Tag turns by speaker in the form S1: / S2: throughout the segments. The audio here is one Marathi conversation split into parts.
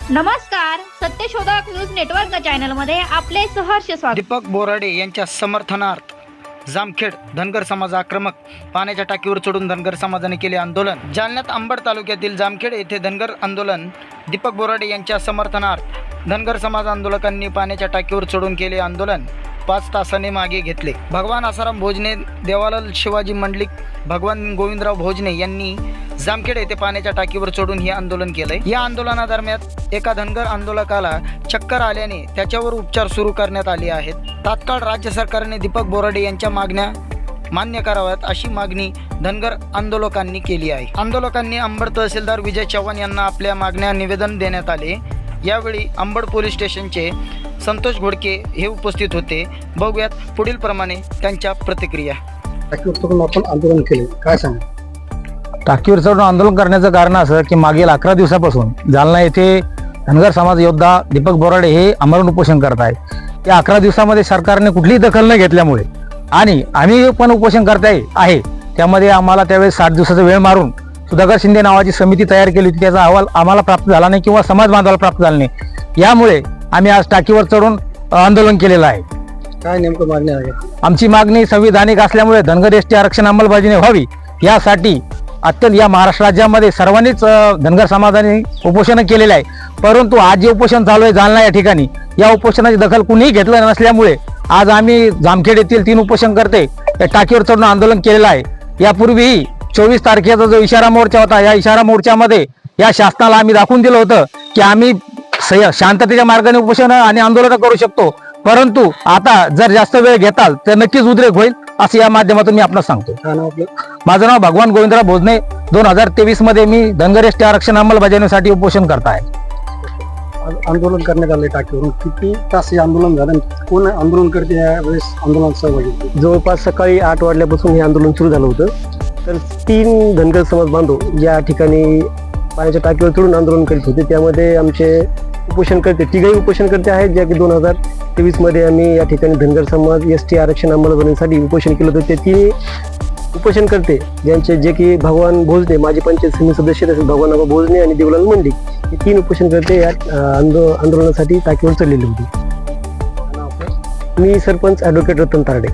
S1: नमस्कार, सत्यशोधक न्यूज नेटवर्क चॅनल मध्ये आपले सहर्ष स्वागत।
S2: दीपक बोराडे यांच्या समर्थनार्थ जामखेड धनगर समाज आक्रमक पाण्याच्या टाकीवर चढून धनगर समाजाने केले आंदोलन। जालन्यात अंबड तालुक्यातील जामखेड येथे धनगर आंदोलन। दीपक बोराडे यांच्या समर्थनार्थ धनगर समाज आंदोलकांनी पाण्याच्या टाकीवर चढून केले आंदोलन। 5 तासाने मागे घेतले। भगवान आसाराम भोजने, देवालाल शिवाजी मंडलिक, भगवान गोविंदराव भोजने यांनी जामखेड येथे पाण्याच्या टाकीवर चढून हे आंदोलन केले। या आंदोलनादरम्यान एका धनगर आंदोलकाला चक्कर आल्याने त्याच्यावर उपचार सुरू करण्यात आले आहेत। तात्काळ राज्य सरकारने दीपक बोराडे यांच्या मागण्या मान्य कराव्यात अशी मागणी धनगर आंदोलकांनी केली आहे। आंदोलकांनी अंबड तहसीलदार विजय चव्हाण यांना आपल्या मागण्या निवेदन देण्यात आले। यावेळी अंबड पोलीस स्टेशनचे संतोष घोडके हे उपस्थित होते। बघूयात पुढील प्रमाणे त्यांच्या प्रतिक्रिया।
S3: टाकीवर चढून आपण आंदोलन केले, काय सांगा?
S4: टाकीवर चढून आंदोलन करण्याचं कारण असं की मागील 11 दिवसापासून जालना येथे धनगर समाज योद्धा दीपक बोराडे हे आमरण उपोषण करत आहेत। त्या 11 दिवसामध्ये सरकारने कुठलीही दखल न घेतल्यामुळे आणि आम्ही पण उपोषण करत आहे, त्यामध्ये आम्हाला त्यावेळेस 60 दिवसाचा वेळ मारून सुधाकर शिंदे नावाची समिती तयार केली होती। त्याचा अहवाल आम्हाला प्राप्त झाला नाही किंवा समाज बांधवाला प्राप्त झाला नाही। यामुळे आम्ही आज टाकीवर चढून आंदोलन केलेलं आहे।
S3: काय नेमकं मागणी आहे?
S4: आमची मागणी संविधानिक असल्यामुळे धनगर एसटी आरक्षण अंमलबजावणी व्हावी यासाठी अत्यंत या महाराष्ट्र राज्यामध्ये सर्वांनीच धनगर समाजाने उपोषण केलेलं आहे। परंतु आज जे उपोषण चालू आहे जालना या ठिकाणी, या उपोषणाची दखल कुणीही घेतलं नसल्यामुळे आज आम्ही जामखेड येथील 3 उपोषणकर्ते या टाकीवर चढून आंदोलन केलेलं आहे। यापूर्वीही 24 तारखेचा जो इशारा मोर्चा होता, या इशारा मोर्चामध्ये या शासनाला आम्ही दाखवून दिलं होतं की आम्ही शांततेच्या मार्गाने उपोषण आणि आंदोलन करू शकतो, परंतु आता जर जास्त वेळ घेताल तर नक्कीच उद्रेक होईल असं या माध्यमातून मी आपल्याला सांगतो।
S3: काय नाव आपलं?
S4: माझं नाव भगवान गोविंदराव भोजने। 2023 मध्ये मी धनगर एसटी आरक्षण अंमलबजावणीसाठी उपोषण करत आहे।
S3: आज आंदोलन करण्यात आले टाकीवरून, किती तास हे आंदोलन झालं? कोण आंदोलन करते या वेळेस आंदोलनात सहभागी होते?
S5: जवळपास सकाळी 8 वाजल्यापासून हे आंदोलन सुरू झालं होतं। तर 3 धनगर समाज बांधव या ठिकाणी पाण्याच्या टाकीवर चढून आंदोलन करीत होते। त्यामध्ये आमचे उपोषणकर्ते, तिघही उपोषणकर्ते आहेत, ज्या की 2023 मध्ये आम्ही या ठिकाणी धनगर समाज एसटी आरक्षण अंमलबजावणीसाठी उपोषण केलं होतं। ते 3 उपोषणकर्ते ज्यांचे, जे की भगवान भोजने माजी पंचायत समिती सदस्य तसेच भगवान आबा भोजने आणि देवलाल मंडलिक, हे 3 उपोषणकर्ते या आंदोलनासाठी टाकीवर चढलेले होते।
S3: काय नाव आपलं?
S5: मी सरपंच ॲडव्होकेट रतन तारडे।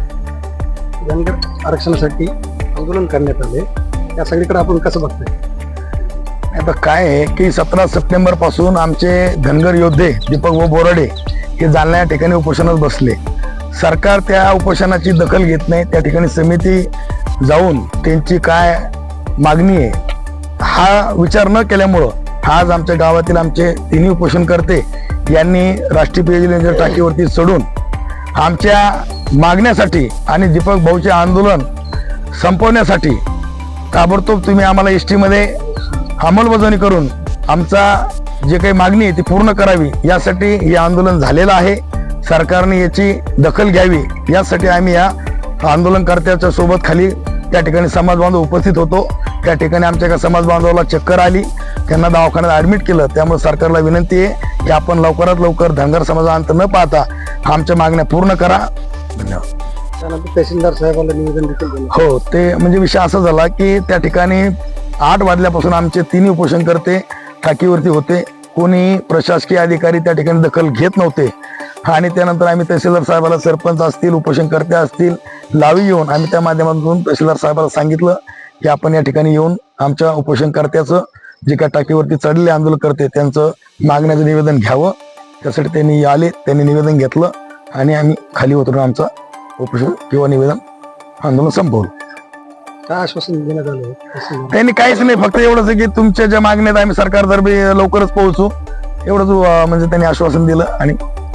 S3: धनगर आरक्षणासाठी आंदोलन करण्यात आले, या सगळीकडे आपण कसं बघतोय?
S6: आता काय आहे की 17 सप्टेंबर पासून आमचे धनगर योद्धे दीपक बोराडे हे जालना या ठिकाणी उपोषणात बसले। सरकार त्या उपोषणाची दखल घेत नाही। त्या ठिकाणी समिती जाऊन त्यांची काय मागणी आहे हा विचार न केल्यामुळं आज आमच्या गावातील आमचे 3 उपोषणकर्ते यांनी राष्ट्रीय पेयजल योजनेच्या टाकीवरती चढून आमच्या मागण्यासाठी आणि दीपक भाऊचे आंदोलन संपवण्यासाठी ताबडतोब तुम्ही आम्हाला एसटी मध्ये अंमलबजावणी करून आमचा जे काही मागणी आहे ती पूर्ण करावी, यासाठी हे आंदोलन झालेलं आहे। सरकारने याची दखल घ्यावी यासाठी आम्ही या आंदोलनकर्त्याच्या सोबत खाली त्या ठिकाणी समाज बांधव उपस्थित होतो। त्या ठिकाणी आमच्या एका समाज बांधवाला चक्कर आली, त्यांना दवाखान्यात ऍडमिट केलं। त्यामुळे सरकारला विनंती आहे की आपण लवकरात लवकर धनगर समाजाचा अंत न पाहता आमच्या मागण्या पूर्ण करा। धन्यवाद।
S3: त्यानंतर तहसीलदार साहेबांना निवेदन देखील दिलं।
S6: हो, ते म्हणजे विषय असा झाला की त्या ठिकाणी 8 वाजल्यापासून आमचे 3 उपोषणकर्ते टाकीवरती होते। कोणी प्रशासकीय अधिकारी त्या ठिकाणी दखल घेत नव्हते आणि त्यानंतर आम्ही तहसीलदार साहेबाला, सरपंच असतील, उपोषणकर्ते असतील, लावी येऊन आम्ही त्या माध्यमातून तहसीलदार साहेबाला सांगितलं की आपण या ठिकाणी येऊन आमच्या उपोषणकर्त्याचं जे काय टाकीवरती चढलेले आंदोलन करते त्यांचं मागण्याचं निवेदन घ्यावं। त्यासाठी त्यांनी आले, त्यांनी निवेदन घेतलं आणि आम्ही खाली उतरून आमचा उपोषण किंवा निवेदन आंदोलन संपवलं।
S3: काय आश्वासन देण्यात आलं?
S6: त्यांनी काहीच नाही, फक्त एवढंच की तुमच्या ज्या मागण्यात आम्ही सरकारतर्फे लवकरच पोहोचू एवढंच म्हणजे त्यांनी आश्वासन दिलं। आणि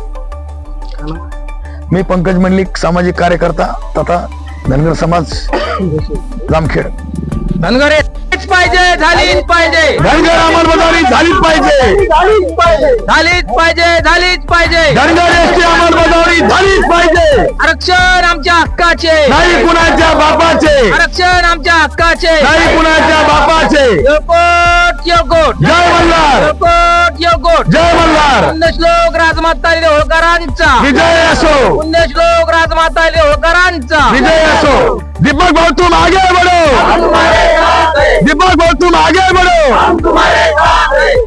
S6: मी पंकज मंडलिक, सामाजिक कार्यकर्ता तथा धनगर समाज जामखेड।
S4: धनगर पाहिजे, झालीच पाहिजे,
S6: धनगर अंमलबजावणी झालीच पाहिजे,
S4: झालीच पाहिजे,
S6: धनगर एसटी अंमलबजावणी झालीच पाहिजे।
S4: आरक्षण आमच्या हक्काचे,
S6: नाही कुणाच्या बापाचे,
S4: आरक्षण आमच्या हक्काचे,
S6: नाही कुणाच्या बापाचे।
S4: योकोट योकोट,
S6: जय मल्हार,
S4: योकोट योकोट,
S6: जय मल्हार।
S4: पुण्यश्लोक राजमाता होळकरांचा
S6: विजय असो,
S4: पुण्यश्लोक राजमाता होळकरांचा
S6: विजय असो। दीपक भाऊ तुम आगे बढ़ो, दीपक भाऊ तुम आगे बढ़ो।